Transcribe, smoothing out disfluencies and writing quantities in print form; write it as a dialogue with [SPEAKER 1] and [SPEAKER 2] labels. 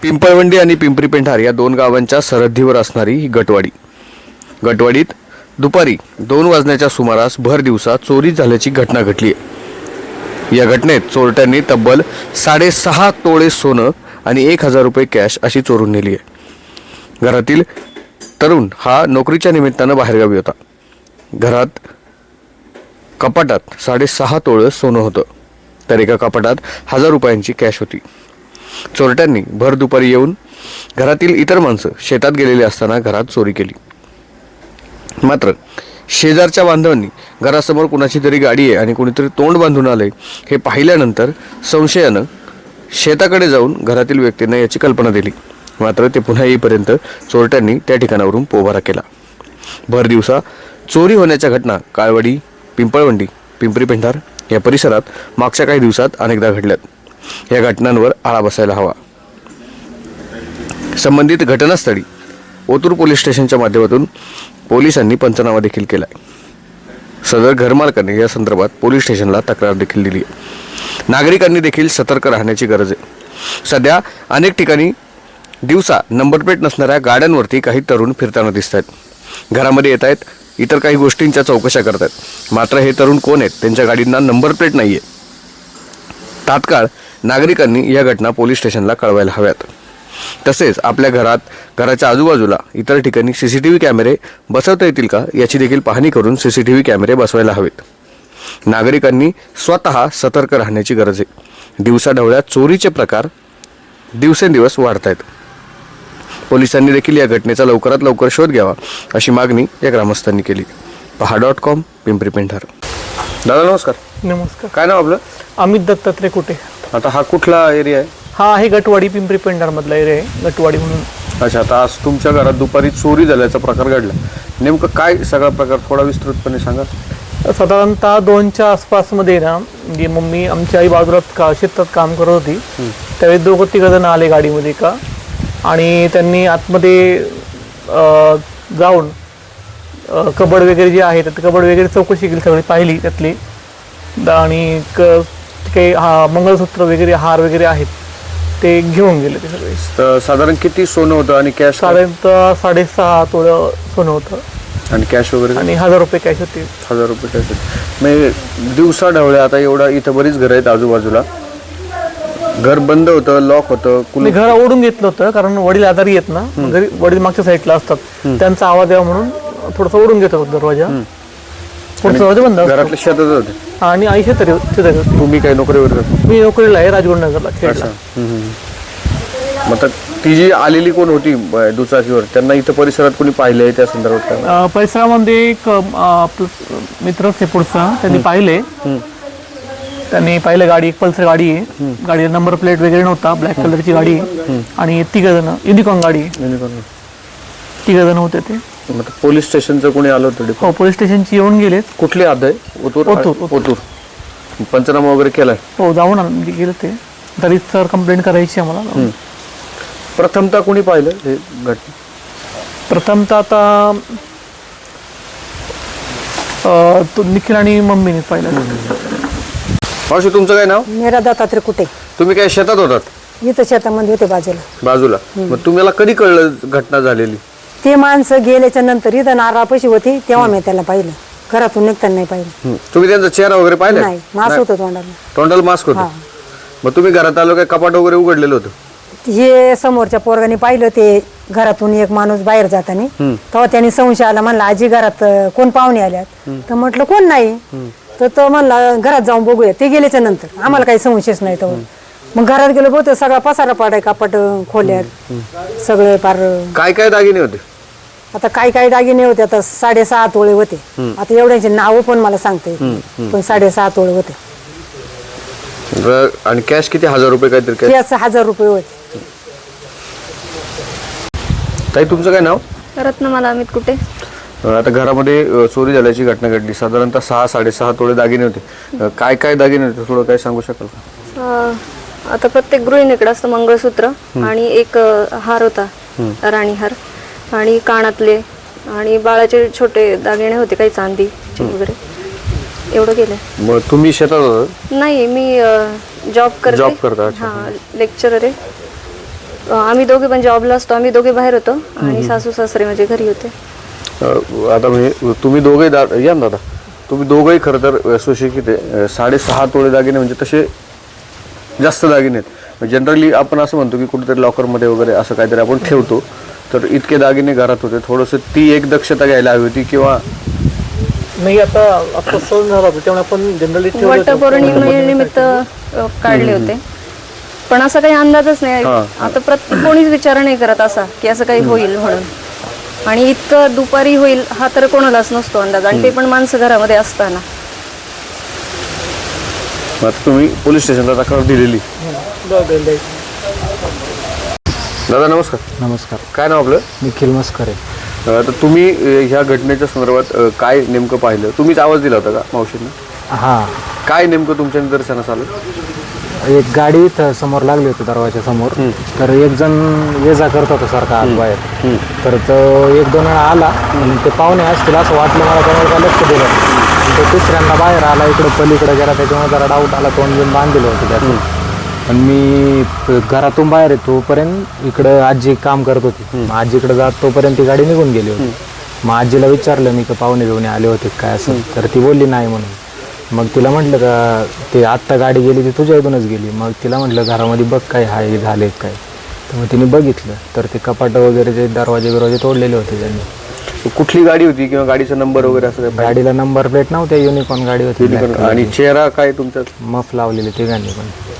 [SPEAKER 1] पिंपळवंडी आणि पिंपरी पेंढार या दोन गावांच्या सरहद्दीवर असणारी ही गटवाडीत दुपारी 2 वाजण्याच्या सुमारास भर दिवसा चोरी झाल्याची घटना घडली आहे। या घटनेत चोरट्यांनी तब्बल 6.5 तोळे सोनं आणि 1,000 रुपये कॅश अशी चोरून नेली आहे। घरातील तरुण हा नोकरीच्या निमित्तानं बाहेरगावी होता। घरात कपाटात 6.5 तोळे सोनं होतं, तर एका कपाटात 1,000 रुपयांची कॅश होती। चोरट्यांनी भर दुपारी येऊन घरातील इतर माणसं शेतात गेलेले असताना घरात चोरी केली। मात्र शेजारच्या बांधवांनी घरासमोर कुणाची तरी गाडी आहे आणि कुणीतरी तोंड बांधून आलंय हे पाहिल्यानंतर संशयानं शेताकडे जाऊन घरातील व्यक्तींना याची कल्पना दिली। मात्र ते पुन्हा येईपर्यंत चोरट्यांनी त्या ठिकाणावरून पोबारा केला। भर दिवसा चोरी होण्याच्या घटना काळवाडी, पिंपळवंडी, पिंपरी पेंढार या परिसरात मागच्या काही दिवसात अनेकदा घडल्यात। या घटनांवर आळा बसायला हवा। संबंधित घटनास्थळी ओतूर पोलीस स्टेशनच्या माध्यमातून पोलिसांनी पंचनामा देखील केलाय। सदर घरमालकांनी या संदर्भात पोलीस स्टेशनला तक्रार देखील दिली आहे। नागरिकांनी देखील सतर्क राहण्याची गरज आहे। सध्या अनेक ठिकाणी दिवसा नंबर प्लेट नसणाऱ्या गाड्यांवरती काही तरुण फिरताना दिसत आहेत। घरामध्ये येत आहेत, इतर काही गोष्टींच्या चौकशा करत आहेत। मात्र हे तरुण कोण आहेत, त्यांच्या गाडींना नंबर प्लेट नाहीये। तात्काळ नागरिकांनी या घटना पोलीस स्टेशनला कळवायला हव्यात। तसेच आपल्या घराच्या आजूबाजूला इतर ठिकाणी सीसीटीव्ही कॅमेरे बसवता येतील का याची देखील पाहणी करून सीसीटीव्ही कॅमेरे बसवायला हवेत। नागरिकांनी स्वतः सतर्क राहण्याची गरज आहे। दिवसाढवळ्या चोरीचे प्रकार दिवसेंदिवस वाढत आहेत। पोलिसांनी देखील या घटनेचा लवकरात लवकर शोध घ्यावा अशी मागणी या ग्रामस्थांनी केली। पहा.com पिंपरी पेंढार। दादा नमस्कार।
[SPEAKER 2] नमस्कार।
[SPEAKER 1] काय नाव आपलं?
[SPEAKER 2] अमित दत्तात्रय कुटे।
[SPEAKER 1] आता हा कुठला एरिया आहे?
[SPEAKER 2] हा आहे गटवाडी, पिंपरी पेंढार मधला एरिया आहे गटवाडी म्हणून।
[SPEAKER 1] अच्छा, आता आज तुमच्या घरात दुपारी चोरी झाल्याचा प्रकार घडला, नेमकं काय सगळा प्रकार थोडा विस्तृतपणे सांगा।
[SPEAKER 2] साधारणतः 2च्या आसपासमध्ये ना, म्हणजे मम्मी आमची आई बाजूला शेतात काम करत होती। त्यावेळी 2-3 जण आले गाडीमध्ये का, आणि त्यांनी आतमध्ये जाऊन कबड वगैरे जे आहे तर कबड वगैरे चौकशी केली, सगळी पाहिली त्यातली, आणि काही मंगळसूत्र वगैरे, हार वगैरे आहेत ते घेऊन गेले ते सगळे।
[SPEAKER 1] तर साधारण किती सोनं होतं आणि कॅश?
[SPEAKER 2] साधारणतः 6.5 तोळं सोनं होतं
[SPEAKER 1] आणि कॅश वगैरे
[SPEAKER 2] आणि 1,000 रुपये कॅश होते।
[SPEAKER 1] 1,000 रुपये कॅश होते। म्हणजे दिवसा ढवळ्या आता एवढा इथं बरीच घरं आहेत आजूबाजूला, घर बंद होतं, लॉक होतं,
[SPEAKER 2] मी घर ओढून घेतलं होतं कारण वडील आजारी येत ना, घरी वडील मागच्या साईडला असतात, त्यांचा आवाज यावा म्हणून थोडंसं ओढून घेत होतं दरवाजा। दरवाजा बंद,
[SPEAKER 1] घरातले शेतात होते
[SPEAKER 2] आणि आई शेतरी होती।
[SPEAKER 1] तुम्ही काय नोकरीवर जाता?
[SPEAKER 2] मी नोकरीला आहे राजगुरुनगरला खेळला।
[SPEAKER 1] मग ती जी आलेली कोण होती दुचाकीवर, त्यांना इथं परिसरात कोणी पाहिलं आहे त्या संदर्भात?
[SPEAKER 2] परिसरामध्ये एक मित्रच आहे पुढचा, त्यांनी पाहिले, गाडी एक पल्सर गाडी आहे, गाडीला नंबर प्लेट वगैरे नव्हता, ब्लॅक कलरची गाडी आहे, आणि 3 जण युनिकॉर्न गाडी, 3 जण होते ते।
[SPEAKER 1] पोलीस स्टेशनचं कोणी आलं होतं?
[SPEAKER 2] हो, पोलीस स्टेशनची येऊन गेलेत।
[SPEAKER 1] कुठले आद आहे? ओतूर। पंचनामा वगैरे केलाय?
[SPEAKER 2] हो, जाऊन गेले ते, तरी सर कंप्लेंट करायची आम्हाला।
[SPEAKER 1] प्रथमतः कोणी पाहिलं हे घटना?
[SPEAKER 2] प्रथमतः आता निखिल आणि मम्मीने पाहिलं।
[SPEAKER 1] मावशी तुमचं काय नाव?
[SPEAKER 3] मेरा दत्तात्रय कुटे।
[SPEAKER 1] तुम्ही काय शेतात होतात?
[SPEAKER 3] इथं शेतामध्ये होते
[SPEAKER 1] बाजूला। मग तुम्हाला कधी कळलं घटना झालेली?
[SPEAKER 3] ते माणसं गेल्याच्या नंतर इथं नारळापाशी होती तेव्हा मी त्याला पाहिलं, घरातून निघताना नाही पाहिलं।
[SPEAKER 1] तुम्ही त्यांचा चेहरा वगैरे पाहिला?
[SPEAKER 3] नाही, मास्क होतं तोंडाला।
[SPEAKER 1] तोंडाला मास्क होतं? मग तुम्ही घरात आलो काय कपाट वगैरे उघडलेलं होतं?
[SPEAKER 3] हे समोरच्या पोरगाने पाहिलं, ते घरातून एक माणूस बाहेर जाताना, तेव्हा त्यांनी संशय आला, म्हणला आजी घरात कोण पाहुणे आल्यात? तर म्हटलं कोण नाही, तर तो म्हणला घरात जाऊन बघूया। ते गेल्याच्या नंतर आम्हाला काही संशयच नाही। तर मग घरात गेलो, बहुतेक सगळा पसारा पाडाय, कपाट खोल्यात सगळे पार।
[SPEAKER 1] काय काय दागिने होते?
[SPEAKER 3] आता काय दागिने होते, आता 6.5 तोळे होते। आता एवढ्यांचे नाव पण मला सांगते, पण 6.5 तोळे होते।
[SPEAKER 1] आणि कॅश किती? 1,000 रुपये काहीतरी?
[SPEAKER 3] कॅश 1,000 रुपये होते।
[SPEAKER 1] ताई तुमचं काय नाव?
[SPEAKER 4] रत्नमाला अमित कुटे।
[SPEAKER 1] आता घरामध्ये चोरी झाल्याची घटना घडली, साधारणतः 6-6.5 तोळे दागिने होते। काय काय दागिने होते थोडं काय सांगू शकाल का?
[SPEAKER 4] आता प्रत्येक गृहिणीकडे असतं मंगळसूत्र, आणि एक हार होता, राणी हार, आणि कानातले, आणि बाळाचे छोटे दागिने होते, काही चांदीचे वगैरे, एवढं गेलं।
[SPEAKER 1] मग तुम्ही शेतात होता?
[SPEAKER 4] नाही, मी जॉब करता।
[SPEAKER 1] अच्छा।
[SPEAKER 4] हां, लेक्चरर आहे। आम्ही दोघे पण जॉबला असतो, आम्ही दोघे बाहेर होतो आणि सासू सासरे माझे घरी होते.
[SPEAKER 1] आता म्हणजे तुम्ही दोघे या ना दादा, तुम्ही दोघंही खरं तर सुशिक्षित आहे. 6.5 तोळे दागिने म्हणजे तसे जास्त दागिने आहेत. जनरली आपण असं म्हणतो की कुठेतरी लॉकरमध्ये वगैरे असं काहीतरी आपण ठेवतो, तर इतके दागिने घरात होते. थोडंसं ती एक दक्षता घ्यायला हवी होती किंवा
[SPEAKER 2] नाही. आता सण झाला होता त्यामुळे आपण जनरली
[SPEAKER 4] वटपौर्णिमेनिमित्त काढले होते, पण असा काही अंदाजच नाही. आता कोणीच विचार नाही करत असा की असं काही होईल म्हणून. आणि इतकं दुपारी होईल हा तर कोणालाच नसतो अंदाज, आणि ते पण माणसं घरामध्ये असताना.
[SPEAKER 1] आता तुम्ही पोलीस स्टेशनला तक्रार दिलेली. दादा नमस्कार.
[SPEAKER 5] नमस्कार.
[SPEAKER 1] काय नाव आपलं?
[SPEAKER 5] निखिल मस्करे.
[SPEAKER 1] तर तुम्ही ह्या घटनेच्या संदर्भात काय नेमकं पाहिलं? तुम्हीच आवाज दिला होता का मावशींना?
[SPEAKER 5] हां,
[SPEAKER 1] काय नेमकं तुमच्या निदर्शनास आलं?
[SPEAKER 5] एक गाडी इथं समोर लागली होती दरवाजा समोर. तर एक जण ये जा करत होता सारखा आत बाहेर. तर तो 1-2 वेळा आला आणि ते पाहुणे असतील असं वाटलं मला, त्यामुळे काय लक्ष दिलं. आणि तो तिसऱ्यांदा बाहेर आला, इकडं पलीकडे गेला, त्याच्यामुळे जरा डाऊट आला. तोंड घेऊन बांधलेलं होतं त्यातून. पण मी घरातून बाहेर येतो तोपर्यंत इकडं आजी काम करत होती. मग आजीकडे जात तोपर्यंत ती गाडी निघून गेली होती. मग आजीला विचारलं मी का पाहुणे घेऊन आले होते काय असं, तर ती बोलली नाही म्हणून. मग तिला म्हटलं का ते आत्ता गाडी गेली ती तुझ्या इथूनच गेली. मग तिला म्हटलं घरामध्ये बघ काय हाय झाले काय. तर मग तिने बघितलं तर ते कपाट वगैरे जे दरवाजे तोडलेले होते त्यांनी.
[SPEAKER 1] कुठली गाडी होती किंवा गाडीचा नंबर वगैरे असं काय?
[SPEAKER 5] गाडीला नंबर प्लेट नव्हत्या, युनिकॉर्न गाडी होती.
[SPEAKER 1] आणि चेहरा काय तुमचा?
[SPEAKER 5] मफ लावलेली तिघांनी पण.